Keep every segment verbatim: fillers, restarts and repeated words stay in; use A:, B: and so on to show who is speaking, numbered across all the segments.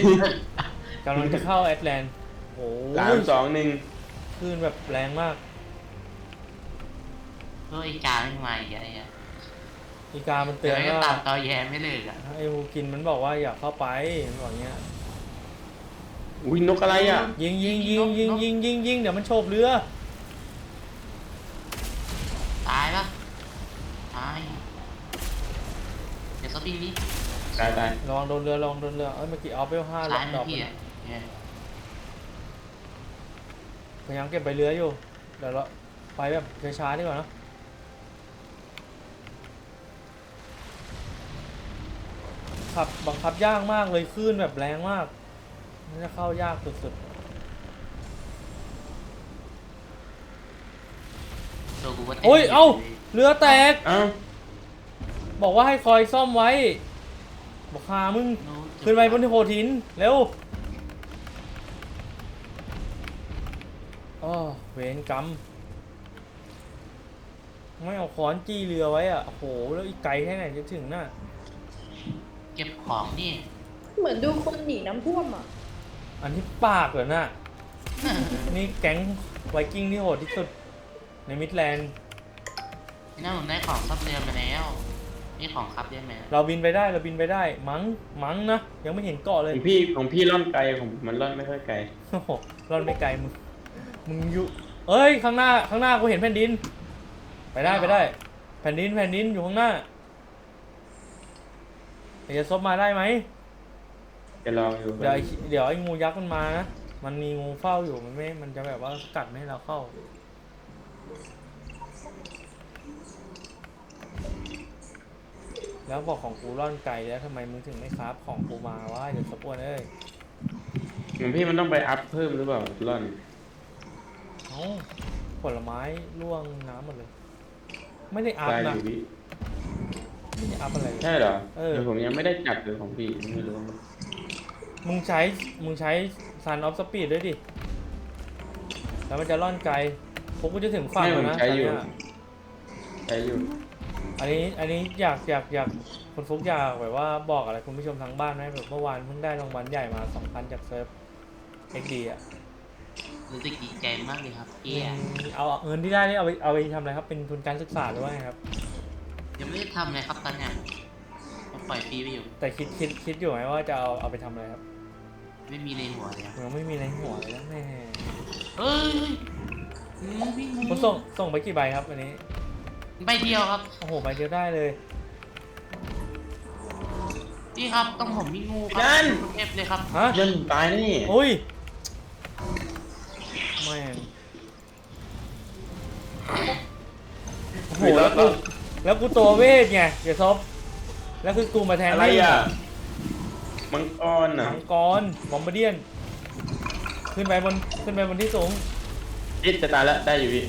A: กำลังจะเข้าแอตแลนต์โอ้
B: สามสองหนึ่ง
A: คลื่นแบบแรงมาก
C: เฮ้ยกาไม่มาอีกอะไรอ่ะ
A: อีกามันเตือนว่า
C: ตามตอแยไม่เลิกอ่ะ
A: ไอ้ฮูกินมันบอกว่าอย่าเข้าไปมันบอกเงี้ย
B: อุ้ยนกอะไรอ่ะ
A: ยิงยิงยิงยิงยิงยิงยิงเดี๋ยวมันโฉบเรือ
C: ตายปะตายเดี๋ยวสปริงนี้
B: ตายตาย
A: ระวังโดนเรือระวังโดนเรือเอ้ยเมื่อกี้เอาไปห้าด
C: ซ้าย
A: อก
C: มันพี่อ่ะ
A: พยายามเก็บใบเรืออยู่เดี๋ยวเราไปแบบช้าๆดีกว่านะขับบังคับยากมากเลยคลื่นแบบแรงมากมันจะเข้ายากสุดๆโอ้ยเอ้าเรือแตก
B: เอ้า
A: บอกว่าให้คอยซ่อมไว้บอกหามึงขึ้นไปบนโขดหินเร็วอ๋อเวรกรรมไม่เอาค้อนจี้เรือไว้อ่ะโอ้โหแล้วอีกไกลแค่ไหนจะถึงน่ะ
C: เก็บของนี่
D: เหมือนดูคนหนีน้ำท่วมอ่ะ
A: อันที่ปากเหรอน่ะนี่แก๊งไวกิ้งที่โหดที่สุดในมิดแลนด์
C: นี่น่าผมได้ของซับเรือมาแล้วนี่ของครับได้ไหม
A: เราบินไปได้เราบินไปได้มั้งมั้งนะยังไม่เห็นเกาะเล
B: ข
A: ย
B: องพี่ของพี่ล่อนไกลของผมมันล่อนไม่ค่อยไกล
A: โอ้โหร่อนไม่ไกลมึงมึงอยู่เอ้ยข้างหน้าข้างหน้ากูเห็นแผ่นดินไปได้ไปได้แผ่นดินแผ่นดินอยู่ข้างหน้าจะซบมาได้ไหม
B: จะลองอยู่
A: เดี๋ยวเดี๋ยวไอ้งูยักษ์มันมานะมันมีงูเฝ้าอยู่มันไม่มันจะแบบว่ากัดไม่ให้เราเข้าแล้วบอกของกูร่อนไกลแล้วทำไมมึงถึงไม่คราฟของกูมาวะเดี๋ยวสปวนเอ้ย
B: ของพี่มันต้องไปอัพเพิ่มหรือเปล่าล่อน
A: เอ้าผลไม้ร่วงน้ำหมดเลยไม่ได้อัพนะไม่ได้อัพอะไร
B: ใช่เหรอ
A: เออ
B: ผมยังไม่ได้จับเลยของพี่ไม่รู้
A: มึงใช้มึงใช้ซันออฟสปีดด้วยดิแล้วมันจะล่อนไกลพวกกูจะถึงฝั่งแล้วนะ
B: ใช้อยู่ใช้อยู่
A: อันนี้อันนี้อยากอยากอยากคุณฟุกอยากแบบว่าบอกอะไรคุณผู้ชมทางบ้านไหมแบบเมื่อวานเพิ่งได้รางวัลใหญ่มา สองพัน จากเซิร์ฟ เอ็กซ์ ดี อ่ะ
C: รู้สึกดีใจมากเลยครับพี่
A: เอาเงินที่ได้นี่เอาไปเอาไปทำอะไรครับเป็นทุนการศึกษาหรือว่าไงครับ
C: ยังไม่ได้ทำเลยครับตอนนี้ผมปล่อยฟรีไปอยู่
A: แต่คิดคิดคิดอยู่ไหมว่าจะเอาเอาไปทำอะไรครับ
C: ไม่มีในหัวเลย
A: ยังไม่มีในหัวเลยนะแม่
C: เอ้ย
A: ผมส่งส่งไปกี่ใบครับอันนี้
C: ใบเดียวครับ
A: โอ้โหใบเดียวได้เลย
C: พี่ครับต้องผมมีงูครับเอฟเลยครับ
A: ฮะ
B: ยันตายนี่
A: โอ้ยแม่งโอ้โหแล้วกูแล้วกูตัวเวทไงอย่าซบแล้วคือกูมาแทน
B: อะไรอ่ะมังกรอ่ะ
A: มังกรบอมบ์เดียนขึ้นไปบนขึ้นไปบนที่สูง
B: จิตจะตายแล้วได้อยู่พี่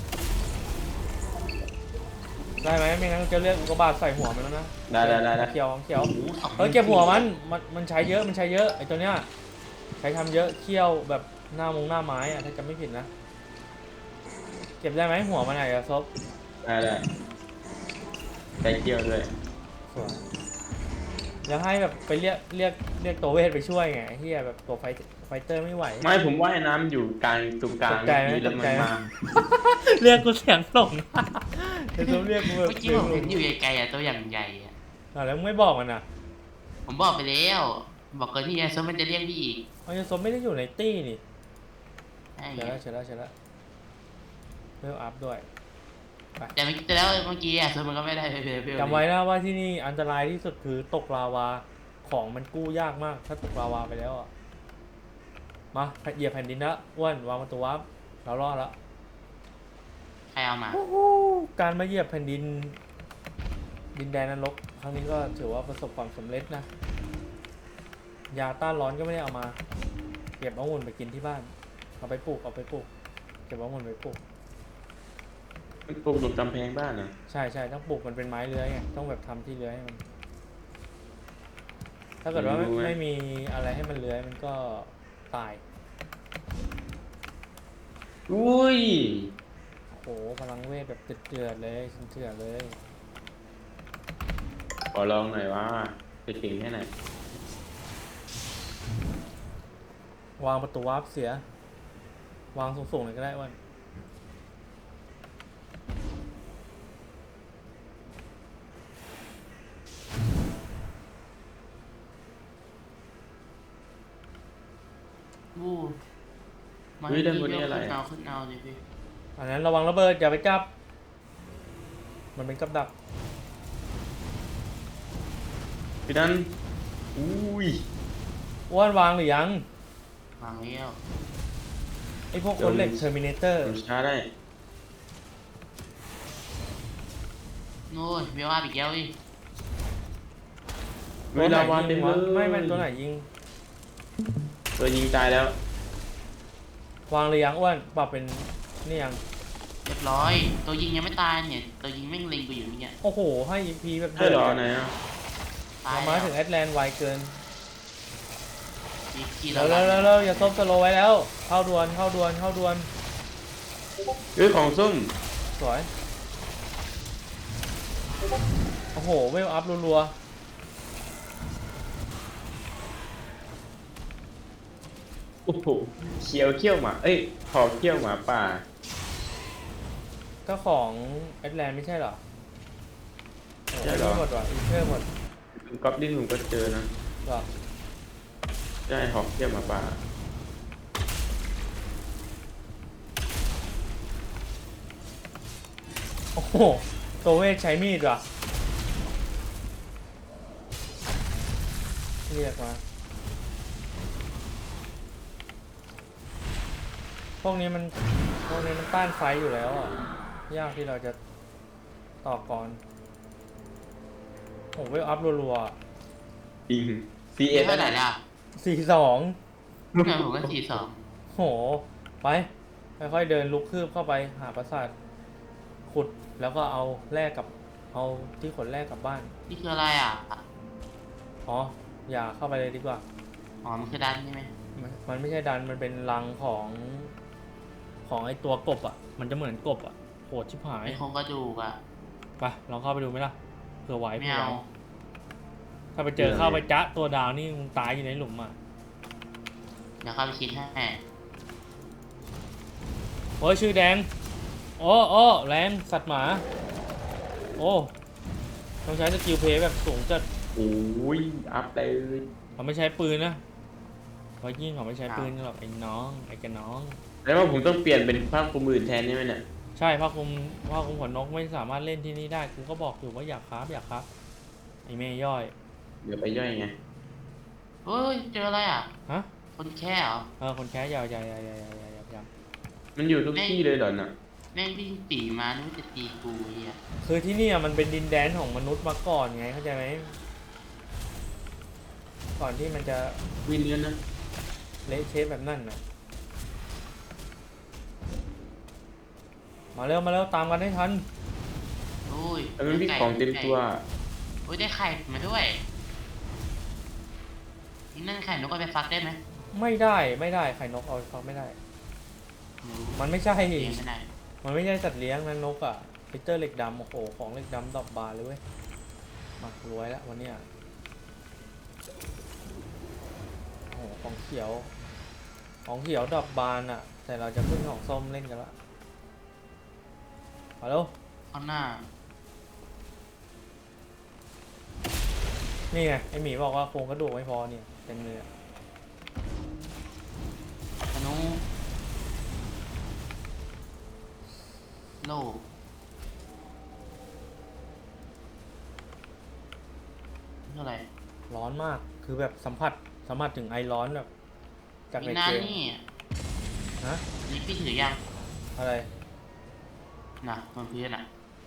A: ได้ไหมไม่งั้นจะเลือกกระบาดใส่หัวมันแล้วนะ
B: ได้ได้ได้
A: เขียวเขียวเออเก็บหัวมันมันมันใช้เยอะมันใช้เยอะไอ้ตัวเนี้ยใช้ทำเยอะเคี่ยวแบบหน้ามงหน้าไม้อะถ้าจำไม่ผิดนะเก็บได้ไหมหัวมันไหนอะซบ
B: ได้ได้ใช้เคี่ยวด้วย
A: สวยแล้วให้แบบไปเรียกเรียกเรียกตัวเวทไปช่วยไงเฮียแบบตัวไฟไฟเตอร์ไม่ไหว
B: ไม่ผมว่ายน้ำอยู่กลางตรงกลาง
A: นี่
B: แล้วมันมา
A: เรียกกูเสียงหลงจะเรียกกูแบบ
C: เมื่อกี้ผมเห็นอยู่ไกลๆอ่ะตัวอย่างใหญ่อ่ะ
A: แล้วไม่บอกมันอ่ะ
C: ผมบอกไปแล้วบอกเกินที่ยายซมันจะเรียกพี่อีก
A: อ๋อยายซไม่ได้อยู่ในตี้นี่เฉยแล้วเฉยแล้วเฉยแล้วเริ่มอัพด้วย
C: แต่เมื่อกี้แล้วเมื่อกี้อ่ะซมันก็ไม่ได้
A: จำไว้นะว่าที่นี่อันตรายที่สุดคือตกลาวาของมันกู้ยากมากถ้าตกลาวาไปแล้วอ่ะมาเหยียบแผ่นดินนะอ้วนวางประตูวับเรารอดแล้ว
C: ใครเอามา
A: การมาเหยียบแผ่นดินดินแดนนรกครั้งนี้ก็ถือว่าประสบความสำเร็จนะยาต้านร้อนก็ไม่ได้เอามาเก็บองุ่นไปกินที่บ้านเอาไปปลูกเอาไปปลูกเก็บองุ่นไปปลูก
B: มันปลูกบนกำแพงบ้านนะ
A: ใช่ใช่ต้องปลูกมันเป็นไม้เลื้อยไงต้องแบบทำที่เลื้อยให้มันถ้าเกิดว่าไม่มีอะไรให้มันเลื้อยมันก็ตาย
B: อุ้ย
A: โอ้พลังเวทแบบเดือดเลยเถื่อนเลย
B: ขอลองหน่อยว่าจะเก่งแค่ไหน
A: วางประตูวาร์ปเสีย วางสูงๆเลยก็ได้อ้วัน
C: วู้มา
B: เฮ้ย
C: ที่
B: ด้านบน
C: นี่
B: นี่
C: ก็
B: อะไร
C: ขึ้น
B: อะ
C: เอาขึ้นเอาดิพี่
A: อันนั้นระวังระเบิดอย่าไปจับ มันเป็นกับดัก
B: พี่ดันอุ้ย
A: อ้วนวางหรือยัง
C: วางแล้ว
A: ไอพวกคนเหล็กเทอร์มินเตอร์
B: ผมช้าได้
C: โน้ยเวลอาอีกแล้วดิ
B: เวลาวานเต็มเลย
A: ไม่ไม่ตัวไหนยิง
B: ตัวยิงตายแล้ว
A: วางหรือยังอ้วนปรับเป็นนี่ยัง
C: เรียบร้อย ตัวยิงยังไม่ตายเนี่ย ตัวยิงแม่งเล็งกูอยู่เนี่ย
A: โอ้โห ให้ อี พี แบบ
B: ใช่เหรอไหนอ่ะ
C: ตาย
A: เรามาถึงแอตแลนต์ไวเกิน
C: อีกที
A: เร็วเร็วเร็วเร็วอย่าซบสโลว์ไว้แล้ว เข้าดวนเข้าดวนเข้าดวน
B: เฮ้ยของส้ม
A: สวย โอ้โห เวลอัพรัว
B: โอ้โหเขียวเขี้ยวหมาเอ้ยขอเขี้ยวหมาป่า
A: ๆก็ของแอตแลนต์ไม่ใช่เหรอโอ้โห
B: ใช่เหรอ
A: หมดว่ะอีเทอร์หมด
B: ก๊อบดิ้นผมก็เจอนะ
A: เหรอ
B: ใช่หอกเขี้ยวหมาป่า
A: โอ้โห ตัวเวทใช้มีดว่ะเรียกมา พวกนี้มัน พวกนี้มันต้านไฟอยู่แล้วอ่ะ ยากที่เราจะต่อก่อนโอ้โหเวลอัพรัว
B: จริงซี
C: เอ
B: เอส
C: เท่าไหร่ล่ะ
A: ๆสี่สอง
C: เนี่ยผมก็สี่สอง
A: โห ไป ค่อยๆเดินลุกคืบเข้าไปหาปราสาท ขุดแล้วก็เอาแลกกับ เอาที่ขนแลกกลับบ้าน
C: นี่คืออะไรอ่ะ
A: อ๋อ อย่าเข้าไปเลยดีกว่า
C: อ๋อ มันคือดันใช่ไหม
A: มันมันไม่ใช่ดัน มันเป็นรังของ ของไอตัวกบอ่ะ มันจะเหมือนกบอ่ะ โหดชิบหาย
C: ไอ้โครงกระดูกอ่ะ
A: ไปลองเข้าไปดูไหมล่ะ เผื่อไหว
C: ไม่
A: เผื่อไห
C: เอา
A: วถ้าไปเจอเข้าไปจ๊ะตัวดาวนี่มึงตายอยู่ในหลุมอ่ะ
C: เดี๋ยวเข้าไปคิดให้
A: โอ้ยชื่อแดง โอ้โอ้แรงสัตว์หมา โอ้ต้องใช้สกิลเพลย์แบบสูงจัด
B: โอ้ยอัพเลย
A: เขาไม่ใช้ปืนนะเพราะยิ่งเขาไม่ใช้ปืนกันหรอกไอ้น้องไอ้กระน้อง
B: แล้วว่าผมต้องเปลี่ยนเป็นภาพคุมอื่นแทนใช่ไหมเนี่ย
A: ใช่ผ้าคลุมผ้าคลุมขนนกไม่สามารถเล่นที่นี่ได้กูก็บอกอยู่ว่าอยากคราฟอยากคราฟไอ้เมย์ย่อย
B: เดี๋ยวไปย่อยไง
C: เฮ้ย เจออะไรอ่ะ
A: ฮะ
C: คนแค่เหรอ
A: เออคนแค่ยาวยาวยาวยาวยาวยาวยาวยาว
B: มันอยู่ทุกที่เลยเหรอน่ะ
C: แม่งวิ่งปีมานึกว่าจะตีกูไอ้เฮีย
A: คือที่นี่อะมันเป็นดินแดนของมนุษย์มาก่อนไงเข้าใจไหมก่อนที่มันจะ
B: วินเนื้อนะ
A: เละเทะแบบนั่นน่ะมาเร็วมาเร็วตามกันให้ทัน
C: โอ้ย
B: แต่มันมีของเต็มตัว
C: โอ้ยได้ไข่มาด้วยนี่นั่นไข่นกเอาไปฟักได้ไหม
A: ไม่ได้ไม่ได้ไข่นกเอาไปฟักไม่ได้ มันไม่ใช่
C: เลี้ยงไม่ได้
A: มันไม่ใช่สัตว์เลี้ยงนะนกอ่ะปีเตอร์เหล็กดำโอ้โหของเหล็กดำดอกบานเลยเว้ยมารวยแล้ววันเนี้ยโอ้โหของเขียว ของเขียวดอกบานอ่ะ แต่เราจะพึ่งของส้มเล่นกันละมาแล้ว
C: ข้างหน้า
A: นี่ไงไอหมีบอกว่าโครงกระดูกไม่พอเนี่ยเต็มเลยอะ
C: ธนูโล่เท่าไหร่
A: ร้อนมากคือแบบสัมผัสสัมผัสถึงไอร้อนแบบจาก
C: มี
A: ใน
C: นาน
A: เกม
C: นี่
A: ฮะ
C: นี่พี่ถือยัง
A: อะไร
C: น่ะบนพื้นอ่ะ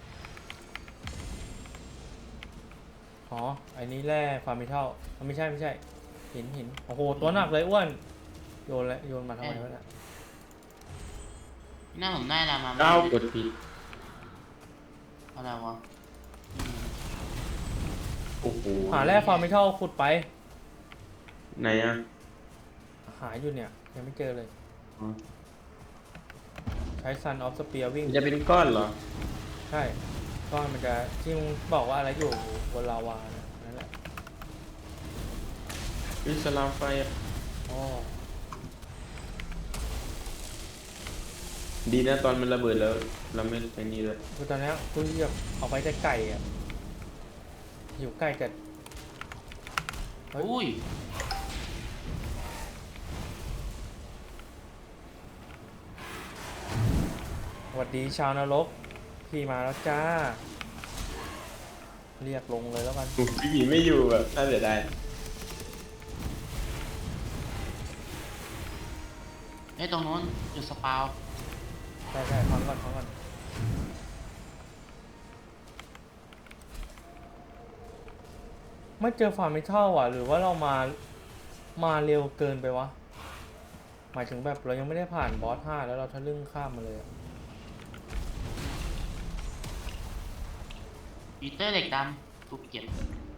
A: อ๋อไอ้นี้แร่ฟาร์มิทัลไม่ใช่ไม่ใช่หินหินโอ้โหตัวหนักเลยอ้วนโยนแล้วโยนมาทำไมวะเนี่ย
C: หน้าผมได้ละมา
B: ก้าวกดผิด
C: อะไรวะอืม
B: โอ้โห
A: หาแร่ฟาร์มิทัลขุดไป
B: ไหนอ่ะ
A: หาอยู่เนี่ยยังไม่เจอเลย
B: อ๋อ
A: ใช้ซันออฟสเปียร์วิ่ง
B: มันจะเป็นก้อนเหรอ
A: ใช่ก้อนมันจะที่มึงบอกว่าอะไรอยู่บนลาวาเนี่ยนั่นแหละ
B: วิสลามไฟอะ
A: อ๋อ
B: ดีนะตอนมันระเบิดแล้ว เราไม่ไปนี่เลย
A: คือตอนเนี้ยกูแบบเอาไปแต่ไก่อะหิวไก่จัด เฮ้ย
C: อุ้ย
A: สวัสดีชาวนรกพี่มาแล้วจ้า เรียกลงเลยแล้วกัน
B: พี่หมีไม่อยู่แบบน่าเสียดาย
C: ไอ้ยตรงนู้นจุดสปาว
A: ใช่ใช่ฟังก่อนฟังก่อนไม่เจอฟาร์มไม่เท่าอ่ะ หรือว่าเรามา มาเร็วเกินไปวะ หมายถึงแบบเรายังไม่ได้ผ่านบอสห้าแล้วเราทะลึ่งข้ามมาเลยอะ
C: ปีเตอร์เหล็กดำกูเก็บ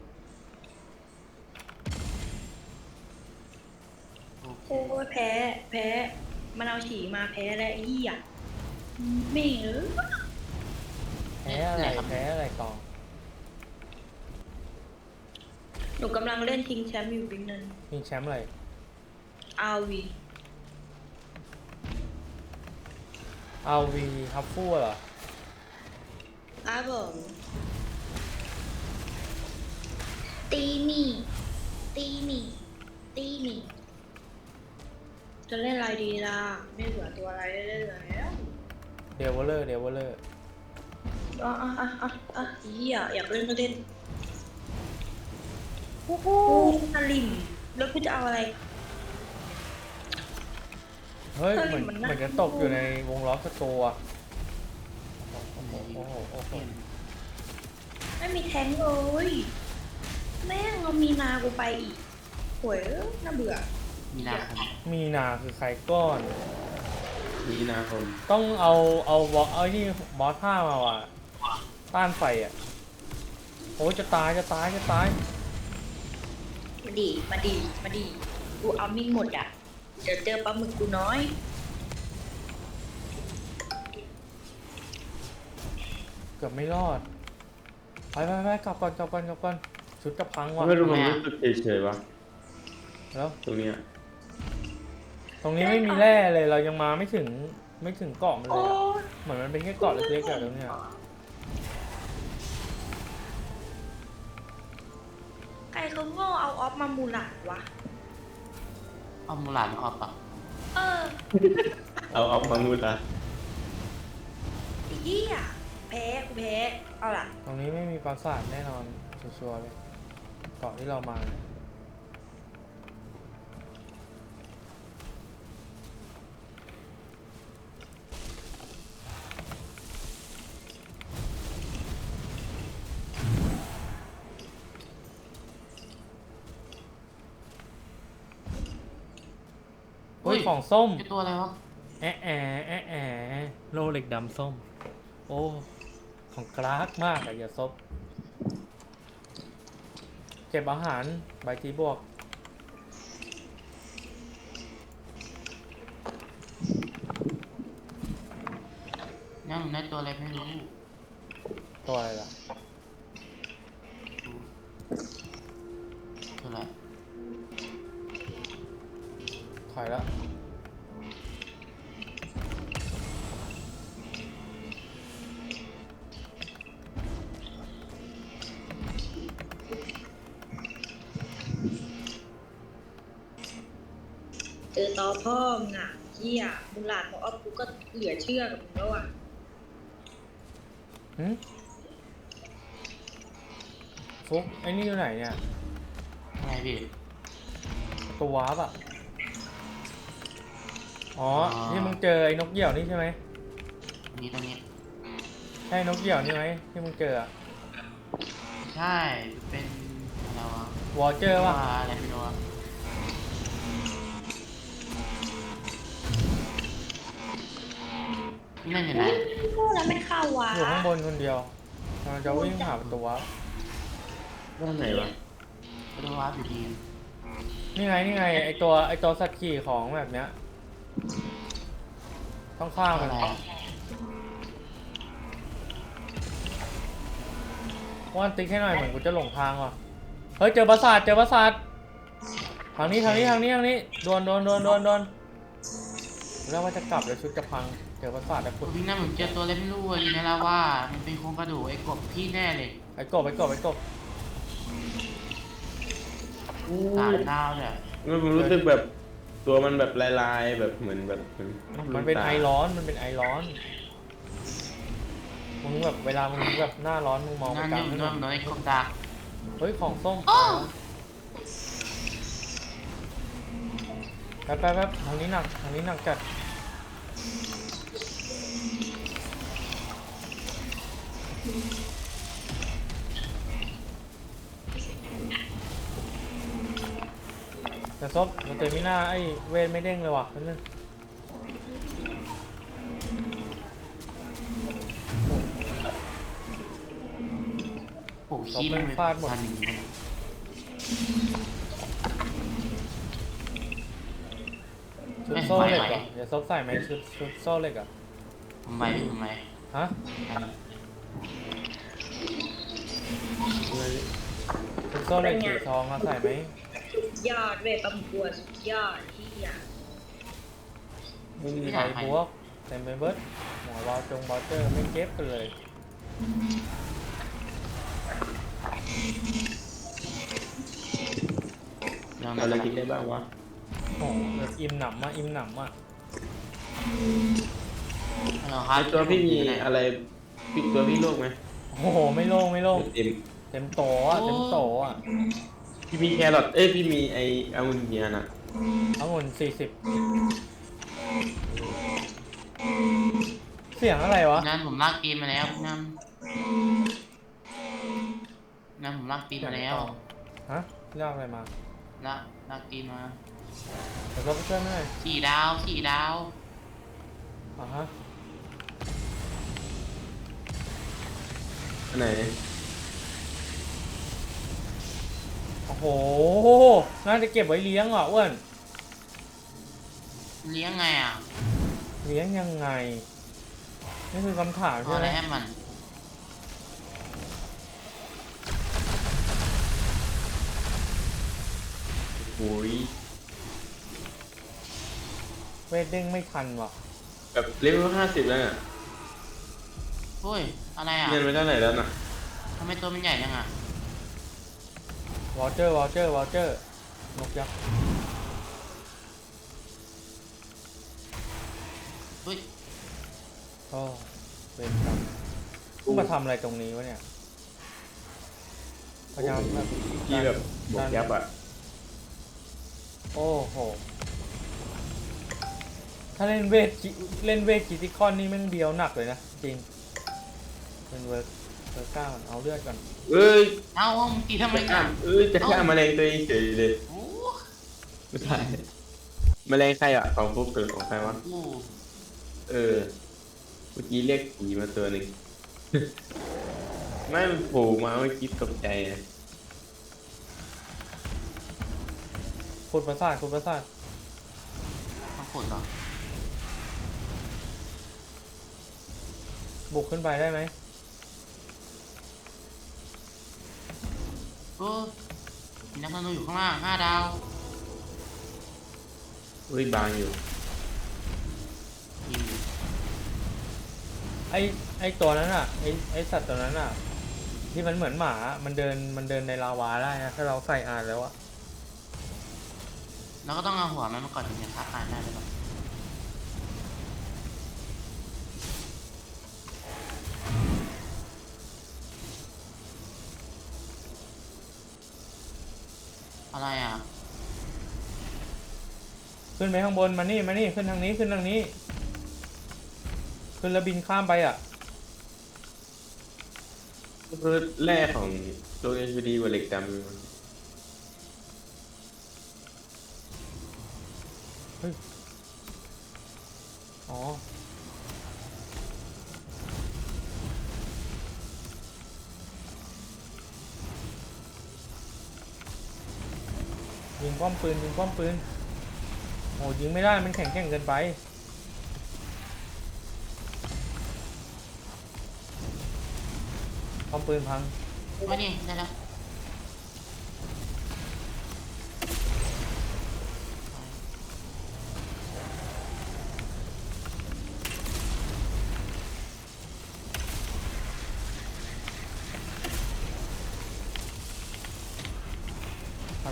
C: โอเค
D: โอ้ยแพ้ แพ้ มันเอาฉี่มาแพ้แล้วไอ้เหี้ยไม่เออ
A: แพ้อะไรแพ้อะไรกอง
D: หนูกำลังเล่นชิงแชมป์อยู่บิ๊กนัน
A: มีแชมป์อะไร
D: อาร์วี
A: อาร์ วี ฮับฟู่เหรอ
D: อาร์ผมตีหนี่ ตีหนี่ ตีหนี่ จะเล่นอะไรดีล่ะ ไม่เหลือตัวอะไรได้เล่นแล้ว
A: เดวเลอร์ เดวเลอร์
D: อ่ะอ่ะอ่ะอ่ะอ่ะเหี้ยอยากเล่นก็เล่นโอ้โหสลิมแล้วกูจะเอาอะไร
A: เฮ้ย
D: เฮ้ย
A: เหมือน
D: มันน่า
A: เหมือนจะตกอยู่ในวงล้อสโตร์อะโอ้โหโอ้โหโอ้โห
D: ไม่มีแทงค์เลย แม่งเอามีนากูไปอีกหวยน่าเบื่อ
C: มีนาคม
A: มีนาคือใครก้อน
B: มีนาคม
A: ต้องเอาเอาบอสเอาที่บอสห้ามาว่ะ ต้านไฟอ่ะ โอ้ยจะตายจะตายจะตาย
D: มาดี มาดี มาดี กูเอามิ่งหมดอ่ะ เดี๋ยวเจอปลาหมึกกูน้อย
A: เกือบไม่รอด ไปไปไปกลับก่อนกลับก่อนกลับก่อนชุดจะพังว่ะ
B: ไม่รู้มันรู้สึกเฉยๆวะ
A: แล้ว
B: ตรงเนี้ย
A: ตรงนี้ไม่มีแร่เลยเรายังมาไม่ถึงไม่ถึงเกาะมันเล
D: โอ้
A: ยอะเหมือนมันเป็นแค่เกาะเล็กๆอะตรงเนี้ย
D: ใครเขาโง่เอาออฟมามูหลาดวะ
C: เอามูลาดมาออกปะ
D: เออ
B: เอาเอามางูละ
D: ไอ้เหี้ยแพ้กูแพ้ เอาล่ะ
A: ตรงนี้ไม่มีปราสาทแน่นอนชัวร์ๆเลยเกาะที่เรามาเนี่ย เฮ้ยของส้ม
C: ไอตัวอะไรวะ
A: แอะแอะแอะแอะโลเหล็กดำส้ม โอ้ ของกรากมากอะอย่าซบ เก็บอาหารใบจีบวก
C: ยังได้ตัวอะไรไม่รู้
A: ตัวอะไรล่ะ
C: ตัวอะไร
A: ถอยแล้ว
D: เจอต่อพ่อมึงอ่ะเหี้ยมูหลาดของออฟกูก็เหลือเชื่อกับมึงแล้วอ่ะ
A: หืมฟุกไอ้นี่อยู่ไหนเนี่ย
C: ไงพี่
A: ตัววาร์ปอ่ะ อ๋อ
C: อ๋อ
A: ที่มึงเจอไอ้นกเหยี่ยวนี่ใช่ไหม
C: นี่ตรงนี้
A: ใช่นกเหยี่ยวนี่ไหมที่มึงเจออะ
C: ใช่เป็นอะไรวะ
A: วอเจอร์ป่ะ
C: ว่าอะไรไม่รู้อะนี่นั่นอยู่ไหน
D: พูดแล้วไม่เข้าวะ
A: อยู่ข้างบนคนเดียวกำลังจะวิ่งหาประตูวาร์ป
B: ด้านไหนวะ
C: ไปดูวาร์ปอยู่ดี
A: นี่ไงนี่ไงไอตัวไอตัวสัตว์ขี่ของแบบเนี้ย ต้องฆ่ามัน
C: อะไรอะ
A: ว่านติ๊กให้หน่อยเหมือนกูจะหลงทางว่ะ เฮ้ยเจอปราสาทเจอปราสาททางนี้ทางนี้ทางนี้ทางนี้โดนโดนโดนโดนโดนแล้วว่าจะกลับแล้วชุดจะพังเจอประสาทแต่ขุด
C: พี่น้ำผมเจอตัวเล็กไม่รู้เลยอยู่ในลาวามันเป็นโครงกระดูกไอ้กบพี่แน่เลย
A: ไอ้กบไอ้กบไอ้กบ
C: สามดาวเลย
B: มันรู้สึกแบบตัวมันแบบลายๆแบบเหมือนแบบเหมือน
A: มันเป็นไอร้อนมันเป็นไอร้อนมึงแบบเวลามึงแบบหน้าร้อนมึงมองไป
C: นั่น
A: ก
C: อ
A: ลาง
C: ยู่
A: ถน
C: นั่น
A: น
C: โดนไอ้กบดัก
A: เฮ้ยของส้มแป๊บแป๊บแป๊บทางนี้หนักทางนี้หนักจัดแต่ซบมันเตมิน่าไอ้เวทไม่เด้งเลยว่ะนั่นนึง
C: โอ้ขี้มันเป็นพันหนึ่ง
A: ชุดโซ่เหล็กเหรอเดี๋ยวซบใส่ไหมชุดชุดโซ่เหล็กอ่ะ
C: ทำไมทำไม
A: ฮะชุดโซ่เหล็กสีทองอะใส่ไหม
D: สุดยอดเว้ยประกวดสุดยอดที่อยาก
A: ไม่มีใครพวกเต็มไปเบิดหมอวาวจงบอเจอร์ไม่เก็บกันเลย
C: ลอง
B: เอาอะไรกินได้บ้างวะ
A: โอ้โหแบบอิ่มหนำอ่ะอิ่มหนำอ่ะ
C: ลองค
B: ไอ
C: รับ
B: ตัวพี่มีอะไรพี่ตัวพี่โรคไหม
A: โอ้โหไม่โล่งไม่โล่ง
B: เต็ม
A: เต็มโตอ่ะเต็มโตอ่ะ
B: พี่มีแครอทเอ้ยพี่มีไอองุ่นเนียน่ะ
A: องุ่นสี่สิบเสียงอะไรวะ
C: นั่นผมลากปีนมาแล้วพี่น้ำนั่นผมลากปีนมาแล้ว
A: ฮะเรียกอะไรมา
C: ลากลากปีนมา
A: เดี๋ยวก็ไปช่วยหน่อย
C: สี่ดาวสี่ดาว
A: อ่ะฮะ
B: อันไหน
A: โอ้โหน่าจะเก็บไว้เลี้ยงอ่ะอ้วน
C: เลี้ยงไงอ่ะ
A: เลี้ยงยังไงนี่คือคำถาม
C: เอา
A: ใช่
C: อะ
A: ไห
C: ไร
A: ม
C: ให้มัน
B: โอ้ย
A: เวทเด้งไม่ทันว่ะ
B: แบบเลเวลห้าสิบแล้วน่ะ
C: โอ้ยอะไรอ่ะ
B: เงินไปเท่าไหร่แล้วน่ะ
C: ทำไมตัวมันใหญ่จังอ่ะ
A: วอลเจอร์วอลเจอร์วอลเจอร์นกยักษ์
C: เฮ้ย
A: โอ้เป็นกรรมกูมาทำอะไรตรงนี้วะเนี่ยพยายามแบบ
B: พี่แบบบวกยับอ่ะ
A: โอ้โหถ้าเล่นเวทจิเล่นเวทกิติคอนนี่แม่งเดียวหนักเลยนะจริงเป็นเวิร์กเวิร์กก้ามันเอาเลือดก่อน
B: เอ้ย
C: เอ้ามึงตีทำไม
B: จะ
C: กั
B: ฆ่าน เอ้ยจะฆ่าแมลงตัวเองเฉยเลย
C: โอ้
B: ไม่ใช่แมลงใครอ่ะของฟุกหรือของใครวะ
C: โห
B: เออ เมื่อกี้เรียกผีมาตัวหนึ่ง ไม่มันโผล่มาเมื่อกี้ตกใจอ่ะ
A: ขุดประสาทขุดประสาท
C: ต้องขุดเหรอ
A: บุกขึ้นไปได้ไหม
C: โอ้มีนักธนูอยู่ข้างล่างห้าดาว
B: เฮ้ยบางอยู่
C: ยิง
A: ไอไอตัวนั้นอ่ะไอไอสัตว์ตัวนั้นอ่ะที่มันเหมือนหมามันเดินมันเดินในลาวาได้นะถ้าเราใส่อ่านแล้วอะ
C: แล้วก็ต้องเอาหัวมันมาก่อนถึงจะฆ่าตายได้เลยหรออะไรอ่ะ
A: ขึ้นไปข้างบนมานี่มานี่ขึ้นทางนี้ขึ้นทางนี้ ขึ้นแล้วบินข้ามไปอ่ะ
B: ก็คือแร่ของโลกเอชดีกว่าเหล็กดำอยู่
A: อ๋อยิงป้อมปืนยิงป้อมปืนโอ้ยิงไม่ได้มันแข็งแกร่งเกินไปป้อมปืนพัง
C: ไม่นี่ได้แล้ว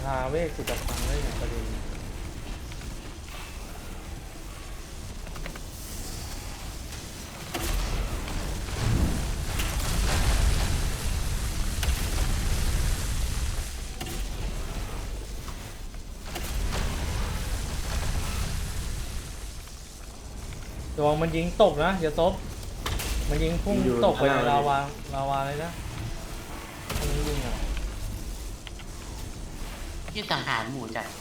A: าเวกสุดจะพังได้ไงประเด็นระวังมันยิงตกนะอย่าซบมันยิงพุ่งตกไปในลาวาลาวาเลยนะมันยิงอ่ะ
C: ที่สังหารหมู่จัด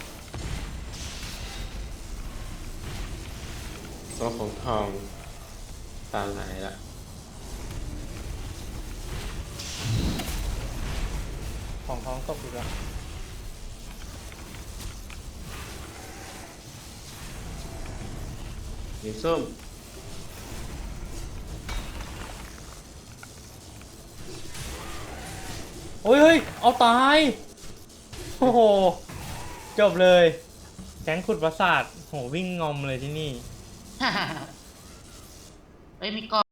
B: ตัวของทองตามไหนละ
A: ของท้องตกอีกแล้ว
B: สีส้ม
A: โอ้ยเฮ้ยเอาตายโอ้โหจบเลยแก๊งขุดประสาทโหวิ่งงอมเลยที่นี่
C: เอ้ยมีกล้อง